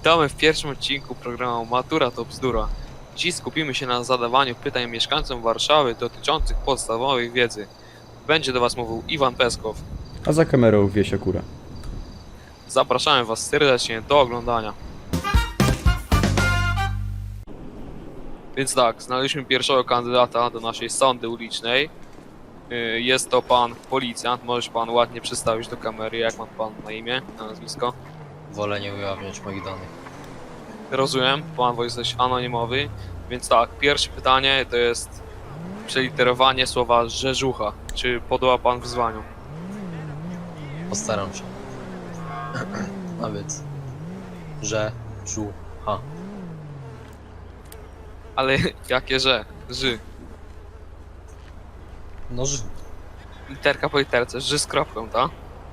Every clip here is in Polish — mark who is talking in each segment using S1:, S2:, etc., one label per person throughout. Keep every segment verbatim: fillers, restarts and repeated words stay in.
S1: Witamy w pierwszym odcinku programu Matura to bzdura. Dziś skupimy się na zadawaniu pytań mieszkańcom Warszawy dotyczących podstawowej wiedzy. Będzie do Was mówił Iwan Peskow.
S2: A za kamerą Wiesia Kura.
S1: Zapraszamy Was serdecznie do oglądania. Więc tak, znaleźliśmy pierwszego kandydata do naszej sądy ulicznej. Jest to pan policjant. Możesz pan ładnie przedstawić do kamery, jak ma pan na imię, na nazwisko.
S3: Wolę nie ujawniać moich danych.
S1: Rozumiem, pan jesteś anonimowy, więc tak, pierwsze pytanie to jest przeliterowanie słowa rzeżucha. Czy podoła pan wyzwaniu?
S3: Postaram się. A więc... Że... Żu... Ha.
S1: Ale jakie że? Ży.
S3: No ż...
S1: Literka po literce, ży z kropką, tak?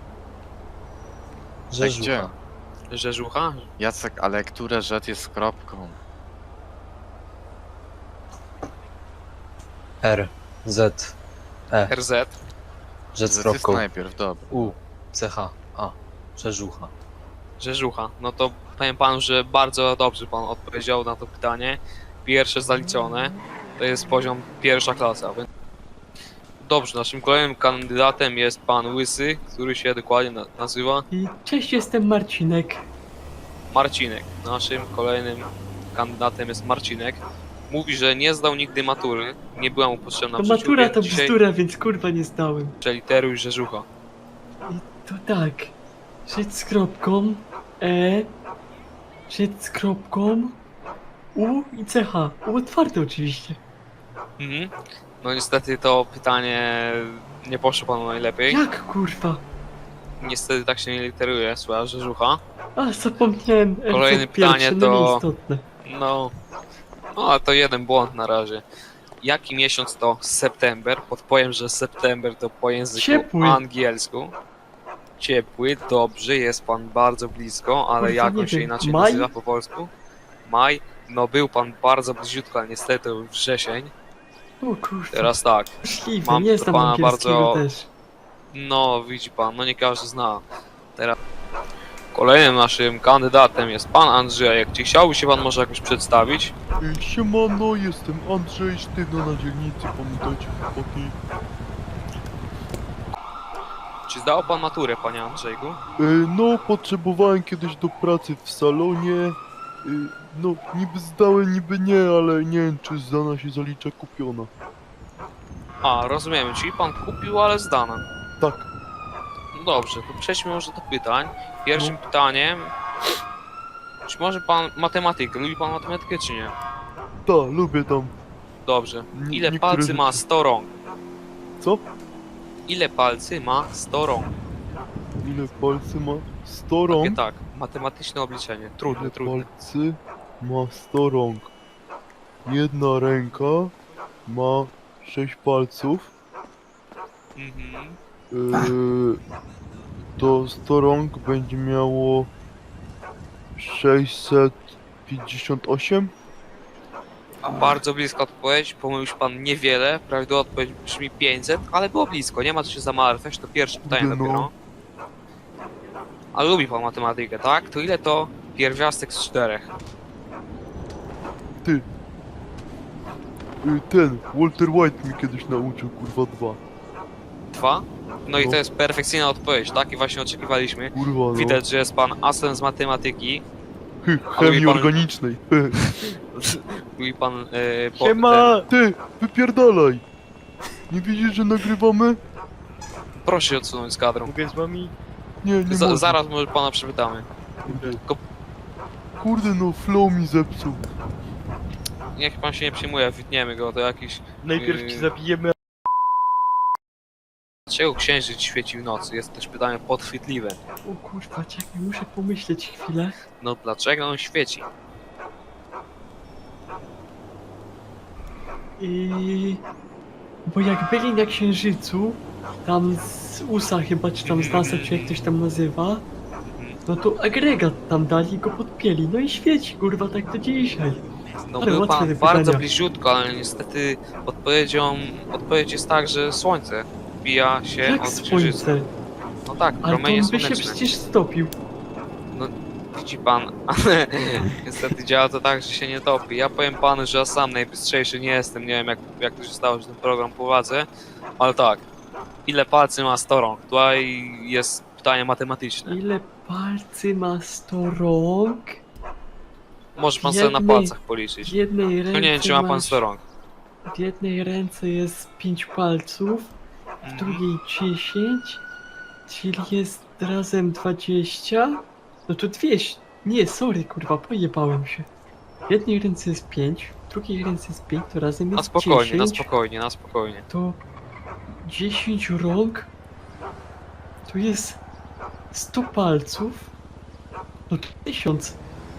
S3: Że
S4: Tak,
S3: żu
S4: gdzie?
S3: ha.
S1: Rzeżucha?
S4: Jacek, ale które rzecz jest z kropką?
S3: R. Z. E.
S1: R Z.
S3: Że z
S4: Z jest
S3: kropką.
S4: najpierw, dobra.
S3: U. C H. A. Że żu ha.
S1: Rzeżucha. No to powiem panu, że bardzo dobrze pan odpowiedział na to pytanie. Pierwsze zaliczone. To jest poziom pierwsza klasa. Więc... Dobrze, naszym kolejnym kandydatem jest pan Łysy, który się dokładnie na nazywa
S5: Cześć, jestem Marcinek.
S1: Marcinek. Naszym kolejnym kandydatem jest Marcinek. Mówi, że nie zdał nigdy matury, nie była mu potrzebna
S5: To
S1: w życiu,
S5: matura
S1: więc
S5: to
S1: dzisiaj
S5: bzdura, więc kurwa nie zdałem.
S1: przeliteruj rzeżucha.
S5: To tak. Rzecz z kropką. E. Rzecz z kropką. U i C H. U otwarte oczywiście.
S1: Mhm. No niestety to pytanie nie poszło panu najlepiej.
S5: Jak kurwa?
S1: Niestety tak się nie literuje słowa rzeżucha.
S5: A zapomniałem. R Z
S1: Kolejne
S5: pierwsze,
S1: pytanie
S5: no
S1: to-
S5: nieistotne.
S1: No, no a to jeden błąd na razie. Jaki miesiąc to september? Podpowiem, że september to po języku
S5: Ciepły.
S1: angielsku. Ciepły, dobrze, jest pan bardzo blisko, ale
S5: Kurwa,
S1: jak
S5: nie
S1: on się
S5: wiem,
S1: inaczej
S5: maj?
S1: nazywa po polsku? Maj. No był pan bardzo bliziutko, ale niestety to był wrzesień.
S5: O kurwa.
S1: Teraz tak,
S5: Możliwe,
S1: mam
S5: nie
S1: do
S5: znam
S1: pana
S5: angielskiego
S1: bardzo-
S5: też.
S1: no widzi pan, no nie każdy zna. Teraz kolejnym naszym kandydatem jest pan Andrzejek. Czy chciałby się pan może jakoś przedstawić?
S6: Siemano, jestem Andrzej, sztywno na dzielnicy, pamiętajcie chłopaki.
S1: Czy zdał pan maturę, panie Andrzejku?
S6: E, no, potrzebowałem kiedyś do pracy w salonie. E, no, niby zdałem, niby nie, ale nie wiem, czy zdana się zalicza kupiona.
S1: A, rozumiemy, czyli pan kupił, ale zdana.
S6: Tak,
S1: No dobrze, to przejdźmy może do pytań. Pierwszym
S6: No.
S1: pytaniem... Czy może pan matematykę? Lubi pan matematykę, czy nie?
S6: ta, lubię tam.
S1: Dobrze.
S6: N-
S1: Ile
S6: niektóre
S1: palcy ma
S6: rzeczy.
S1: sto rąk?
S6: Co?
S1: Ile palcy ma sto rąk?
S6: Ile palcy ma? sto
S1: Takie
S6: rąk.
S1: tak, matematyczne obliczenie. Trudne,
S6: Ile
S1: trudne.
S6: palcy ma sto rąk? Jedna ręka ma sześć palców.
S1: Mhm.
S6: Yy, to sto rąk będzie miało sześćset pięćdziesiąt osiem.
S1: Bardzo blisko odpowiedź, pomylił się pan niewiele. Prawidłowa odpowiedź brzmi pięćset, ale było blisko, nie ma co się zamartwiać, to pierwsze pytanie
S6: Kurde, no.
S1: dopiero. A lubi pan matematykę, tak? To ile to pierwiastek z czterech?
S6: Ty. Yy, ten, Walter White mi kiedyś nauczył, kurwa, dwa.
S1: Dwa? No i
S6: No.
S1: to jest perfekcyjna odpowiedź, tak? I właśnie oczekiwaliśmy.
S6: Kurwa, no.
S1: Widać, że jest pan asem z matematyki.
S6: Hy,
S1: A
S6: chemii
S1: lubi pan-
S6: organicznej.
S1: Lubi pan... Yy, po,
S6: Siema! Ty, wypierdalaj! Nie widzisz, że nagrywamy?
S1: ten- Proszę się odsunąć z kadrą.
S6: Mogę z wami? Nie, nie
S1: Za,
S6: mogę.
S1: zaraz może pana przepytamy. Tylko
S6: Kurde, no, flow mi zepsuł.
S1: niech pan się nie przejmuje, wytniemy go, to jakiś...
S6: Najpierw
S1: Yy.
S6: ci zabijemy.
S1: Dlaczego księżyc świeci w nocy? Jest też pytanie podchwytliwe.
S5: O kurwa, czekaj, muszę pomyśleć chwilę.
S1: No dlaczego on świeci?
S5: I... Bo jak byli na księżycu, tam z U S A chyba, czy tam z NASA, czy jak ktoś tam nazywa, no to agregat tam dali i go podpięli. No i świeci, kurwa, tak do dzisiaj.
S1: No
S5: Ale
S1: był
S5: łatwe
S1: pan
S5: te
S1: bardzo
S5: pytania.
S1: bliziutko, ale niestety odpowiedzią... Odpowiedź jest tak, że słońce odbija się
S5: Jak
S1: od księżyca.
S5: słońce?
S1: No tak,
S5: Ale to
S1: promienie
S5: on by się
S1: słoneczne.
S5: przecież stopił.
S1: Widzi pan, ale niestety działa to tak, że się nie topi. Ja powiem panu, że ja sam najbystrzejszy nie jestem, nie wiem jak, jak to się stało, że ten program prowadzę, ale tak, ile palcy ma sto rąk? Tutaj jest pytanie matematyczne.
S5: Ile palcy ma sto rąk?
S1: Może pan sobie na
S5: jednej-
S1: palcach policzyć.
S5: W jednej ręce
S1: No nie wiem, czy ma pan
S5: masz-
S1: sto rąk.
S5: W jednej ręce jest pięć palców, w drugiej dziesięć, czyli jest razem dwadzieścia. No to dwieście. Nie, sorry, kurwa, pojebałem się. W jednej ręce jest pięć, w drugiej ręce jest pięć, to razem
S1: Na
S5: jest
S1: spokojnie, na
S5: dziesięć.
S1: spokojnie, na spokojnie.
S5: To dziesięć rąk to jest sto palców. No to tysiąc.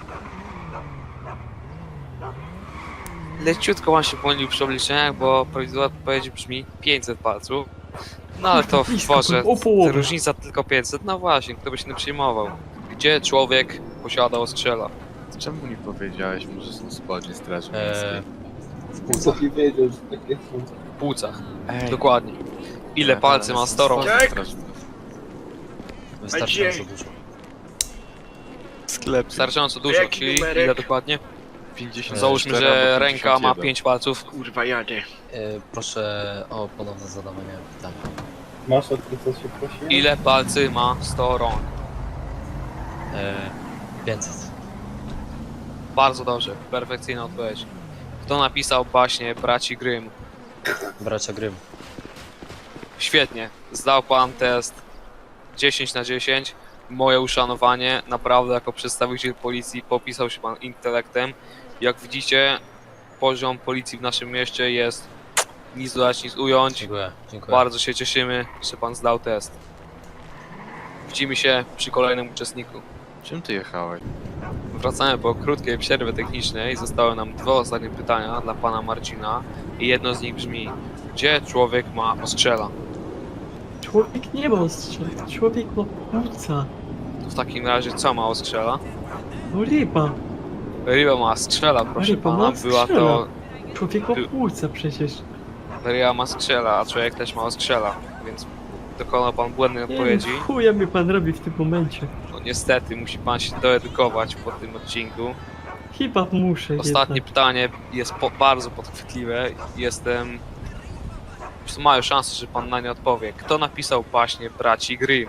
S1: Leciutko pan się pomylił przy obliczeniach, bo prawidłowa odpowiedź brzmi pięćset palców. No ale to w
S5: Blisko,
S1: Boże,
S5: o połowę.
S1: różnica tylko pięćset, no właśnie, kto by się tym przejmował. Gdzie człowiek posiada ostrzela?
S4: Czemu nie powiedziałeś mu, że są spodnie straży
S3: Eee,
S4: miejskiej?
S3: w płucach.
S1: W płucach, dokładnie. Ile
S4: Tak,
S1: palcy
S4: ale
S1: ma
S4: są
S1: sto rąk?
S4: spodnie straży miejskiej.
S3: Wystarczająco dużo.
S4: Sklep
S1: Wystarczająco dużo,
S7: Jaki
S1: czyli
S7: numerek?
S1: ile dokładnie?
S4: pięćdziesiąt
S1: Załóżmy,
S4: cztery
S1: że
S4: albo
S1: ręka ma
S4: pięćdziesiąt jeden.
S1: pięć palców.
S7: Kurwa, jadę.
S3: E, proszę o ponowne zadawanie pytania.
S8: Masz od co się prosi?
S1: Ile palcy ma sto rąk?
S3: E, pięćset.
S1: Bardzo dobrze, perfekcyjna odpowiedź. Kto napisał baśnie braci Grimm?
S3: Bracia Grym.
S1: Świetnie, zdał pan test dziesięć na dziesięć. Moje uszanowanie, naprawdę jako przedstawiciel policji popisał się pan intelektem. Jak widzicie, poziom policji w naszym mieście jest nic dodać, nic ująć.
S3: Dziękuję, dziękuję.
S1: Bardzo się cieszymy, że pan zdał test. Widzimy się przy kolejnym uczestniku.
S4: Czym ty jechałeś?
S1: Wracamy po krótkiej przerwie technicznej. Zostały nam dwa ostatnie pytania dla pana Marcina. I jedno z nich brzmi: gdzie człowiek ma ostrzela?
S5: Człowiek nie ma ostrzela, człowiek ma płuca.
S1: To w takim razie co ma ostrzela?
S5: No ryba.
S1: Ryba ma strzela, proszę
S5: Ryba
S1: pana.
S5: ma
S1: Była to...
S5: Człowiek ma
S1: Ty-
S5: płuca przecież.
S1: Ryba ma strzela, a człowiek też ma ostrzela. Więc dokonał pan błędnej
S5: Nie
S1: odpowiedzi.
S5: wiem, chuja mi pan robi w tym momencie.
S1: No niestety, musi pan się doedukować po tym odcinku.
S5: Chyba muszę
S1: Ostatnie
S5: jednak.
S1: pytanie jest po, bardzo podchwytliwe. Jestem... Po prostu mają szansę, że pan na nie odpowie. Kto napisał baśnie braci Grimm?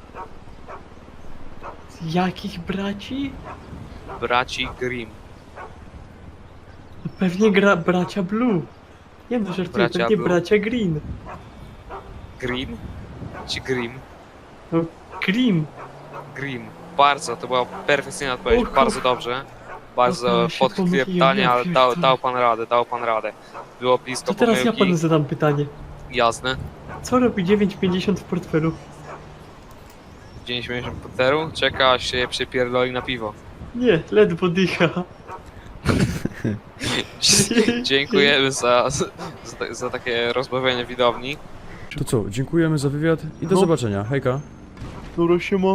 S5: Z jakich braci?
S1: Braci Grimm.
S5: No pewnie gra bracia Blue. Nie no, żartuję,
S1: Bracia
S5: pewnie
S1: Blue?
S5: bracia Green.
S1: Grimm? Czy Grimm?
S5: No, Grimm.
S1: Grimm. Bardzo, to była perfekcyjna odpowiedź,
S5: Och,
S1: bardzo
S5: och.
S1: dobrze. Bardzo
S5: Och, się
S1: podchwytliwe
S5: pomyliłem,
S1: pytanie,
S5: ja
S1: ale dał,
S5: pierdolę.
S1: dał pan radę, dał pan radę. Było blisko
S5: To teraz ja
S1: pomyłki,
S5: panu zadam pytanie.
S1: jasne.
S5: Co robi dziewięć pięćdziesiąt w portfelu?
S1: dziewięć w porteru, czeka aż się przypierdoli na piwo.
S5: Nie, ledwo dycha.
S1: Dziękujemy za, za, za takie rozbawienie widowni.
S2: To co, dziękujemy za wywiad i do
S6: No.
S2: zobaczenia. Hejka.
S6: Dobra, siema.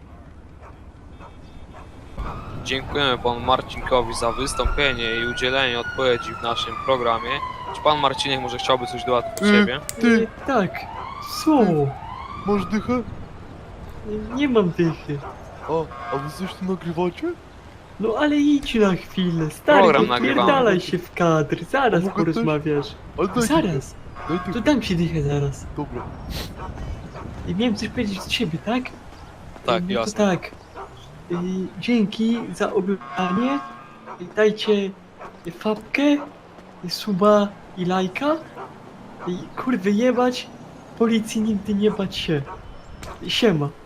S1: Dziękujemy panu Marcinkowi za wystąpienie i udzielenie odpowiedzi w naszym programie. Czy pan Marcinek może chciałby coś dodać od
S6: Mm.
S1: siebie?
S6: Ty,
S5: E, tak. Co?
S6: masz dychę?
S5: Nie mam dychy.
S6: A, a wy coś tu nagrywacie?
S5: No ale idź na chwilę, stary,
S1: Program
S5: odpierdalaj
S1: nagrywamy.
S5: się w kadr, zaraz
S6: A mogę
S5: porozmawiasz.
S6: Ale daj dychę,
S5: Zaraz,
S6: daj
S5: to
S6: dychę.
S5: dam ci dychę zaraz.
S6: Dobra.
S5: I miałem coś powiedzieć od siebie, tak?
S1: Tak,
S5: no
S1: jasne.
S5: To tak. Y, dzięki za oglądanie. Y, Dajcie fapkę, y, suba i lajka. I kurwy jebać, policji nigdy nie bać się. Siema.